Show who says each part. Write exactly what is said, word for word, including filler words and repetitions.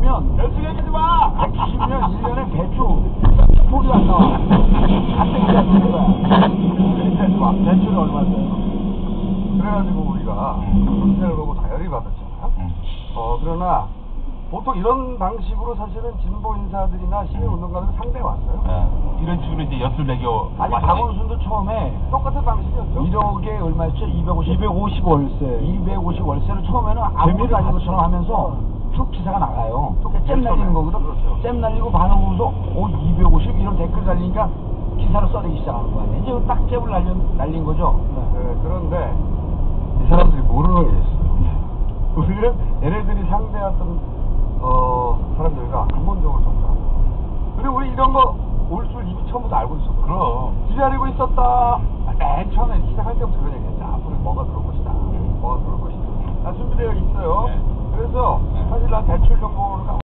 Speaker 1: 백칠이면
Speaker 2: 연습 얘기하지 마!
Speaker 1: 백칠이면 일 년에 배추 소리 안 나와. 안 땡기지 않는 거야.
Speaker 2: 얘기하지 마.
Speaker 1: 배추를 얼마 써요?
Speaker 2: 그래가지고 우리가 문제를 보고 다혈이 받았잖아요.
Speaker 3: 음.
Speaker 2: 어, 그러나 보통 이런 방식으로 사실은 진보 인사들이나 시민운동가들은 상대가 왔어요.
Speaker 3: 예. 이런 식으로 이제 엿을 매겨.
Speaker 1: 아니
Speaker 3: 많이
Speaker 1: 박원순도 처음에
Speaker 2: 똑같은 방식이었죠.
Speaker 1: 일억에 얼마였죠? 이백오십.
Speaker 4: 이백오십 월세.
Speaker 1: 이백오십 월세를 처음에는 아무것도
Speaker 4: 재미를
Speaker 1: 아닌 것처럼
Speaker 4: 봤죠.
Speaker 1: 하면서 쭉 기사가 나가요. 잼
Speaker 2: 처음에.
Speaker 1: 날리는 거거든.
Speaker 2: 그렇죠.
Speaker 1: 잼 날리고 반응 보고서 오 이백오십 이런 댓글 달리니까 기사를 써내기 시작하는 거 아니에요. 이제 딱 잼을 날린, 날린 거죠.
Speaker 2: 네, 그런데 이 사람들이 모르는 게 있어요. 우리는 얘네들이 상대했던 어, 사람들과 근본적으로 정상하고 그리고 우리 이런 거 올 줄 이미 처음부터 알고 있었고
Speaker 3: 그럼.
Speaker 2: 기다리고 있었다. 맨 처음에 시작할 때부터 그런 얘기했죠. 앞으로 뭐가 들어올 것이다. 뭐가 들어올 것이다. 다 준비되어 있어요.
Speaker 3: 네.
Speaker 2: 그래서
Speaker 3: 네.
Speaker 2: 사실 난 대출 정보를